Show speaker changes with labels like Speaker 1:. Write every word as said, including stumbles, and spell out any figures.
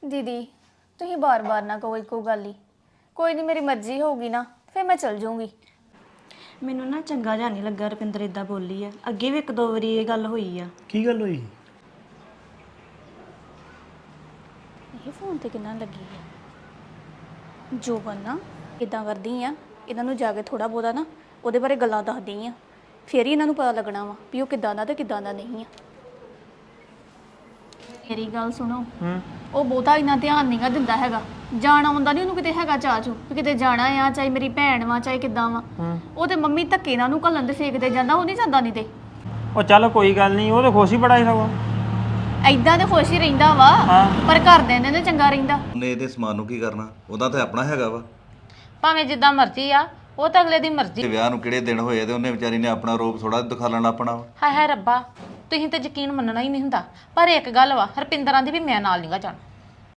Speaker 1: ਦੀਦੀ ਤੁਸੀਂ ਬਾਰ-ਬਾਰ ਨਾ ਕਹੋ ਇੱਕੋ ਗੱਲ ਹੀ। ਕੋਈ ਨਹੀਂ, ਮੇਰੀ ਮਰਜ਼ੀ ਹੋਊਗੀ ਨਾ ਫਿਰ ਮੈਂ ਚਲ ਜਾਊਂਗੀ।
Speaker 2: ਮੈਨੂੰ ਨਾ ਚੰਗਾ ਜਿਹਾ ਨਹੀਂ ਲੱਗਾ ਰੁਪਿੰਦਰ ਇਦਾਂ ਬੋਲੀ ਆ। ਅੱਗੇ ਵੀ ਇੱਕ ਦੋ ਵਾਰੀ ਇਹ ਗੱਲ ਹੋਈ ਆ।
Speaker 3: ਕੀ ਗੱਲ ਹੋਈ?
Speaker 1: ਇਹ ਫੋਨ ਤੇ ਕਿੰਨਾ ਲੱਗੀ ਹੈ ਜੋ ਬੰਨਾ ਇਦਾਂ ਕਰਦੀ ਆ। ਇਹਨਾਂ ਨੂੰ ਜਾ ਕੇ ਥੋੜਾ ਬਹੁਤਾ ਨਾ ਉਹਦੇ ਬਾਰੇ ਗੱਲਾਂ ਦੱਸਦੀ ਆ, ਫਿਰ ਹੀ ਇਹਨਾਂ ਨੂੰ ਪਤਾ ਲੱਗਣਾ ਵਾ ਵੀ ਉਹ ਕਿੱਦਾਂ ਦਾ ਤੇ ਕਿੱਦਾਂ ਦਾ ਨਹੀਂ ਆ। ਮੇਰੀ ਗੱਲ ਸੁਣੋ,
Speaker 3: ਹੂੰ
Speaker 1: ਉਹ ਬਹੁਤਾ ਇੰਨਾ ਧਿਆਨ ਨਹੀਂਗਾ ਦਿੰਦਾ ਹੈਗਾ। ਜਾਣਾ ਆਉਂਦਾ ਨਹੀਂ ਉਹਨੂੰ ਕਿਤੇ ਹੈਗਾ ਚਾਚੂ ਵੀ ਕਿਤੇ ਜਾਣਾ ਆ, ਚਾਹੇ ਮੇਰੀ ਭੈਣ ਵਾ ਚਾਹੇ ਕਿੱਦਾਂ ਵਾ। ਉਹ ਤੇ ਮੰਮੀ ਧੱਕੇ ਨਾਲ ਨੂੰ ਘੱਲਣ ਤੇ ਫੇਕਦੇ ਜਾਂਦਾ, ਉਹ ਨਹੀਂ ਜਾਂਦਾ ਨਹੀਂ ਤੇ।
Speaker 3: ਉਹ ਚੱਲ ਕੋਈ ਗੱਲ ਨਹੀਂ, ਉਹ ਤਾਂ ਖੁਸ਼ ਹੀ ਬੜਾ ਹੀ ਸਗੋਂ।
Speaker 1: ਐਦਾਂ ਤੇ ਖੁਸ਼ ਹੀ ਰਹਿੰਦਾ ਵਾ, ਪਰ ਘਰ ਦੇ ਨੇ ਚੰਗਾ ਰਹਿੰਦਾ।
Speaker 4: ਉਹਨੇ ਇਹਦੇ ਸਮਾਨ ਨੂੰ ਕੀ ਕਰਨਾ, ਉਹਦਾ ਤਾਂ ਆਪਣਾ ਹੈਗਾ ਵਾ।
Speaker 5: ਭਾਵੇਂ ਜਿੱਦਾਂ ਮਰਜ਼ੀ ਆ, ਉਹ ਤਾਂ ਅਗਲੇ ਦੀ ਮਰਜ਼ੀ।
Speaker 4: ਤੇ ਵਿਆਹ ਨੂੰ ਕਿਹੜੇ ਦਿਨ ਹੋਏ ਤੇ ਉਹਨੇ ਵਿਚਾਰੀ ਨੇ ਆਪਣਾ ਰੂਪ ਥੋੜਾ ਦਿਖਾ ਲੈਣਾ ਆਪਣਾ ਵਾ।
Speaker 5: ਹਾਏ ਹਾਏ ਰੱਬਾ, ਤੁਸੀਂ ਤੇ ਯਕੀਨ ਮੰਨਣਾ ਹੀ ਨਹੀਂ ਹੁੰਦਾ। ਪਰ ਇੱਕ ਗੱਲ ਵਾ, ਹਰਪਿੰਦਰਾਂ ਦੀ ਵੀ ਮੈਂ ਨਾਲ ਨਹੀਂਗਾ ਜਾਣਾ।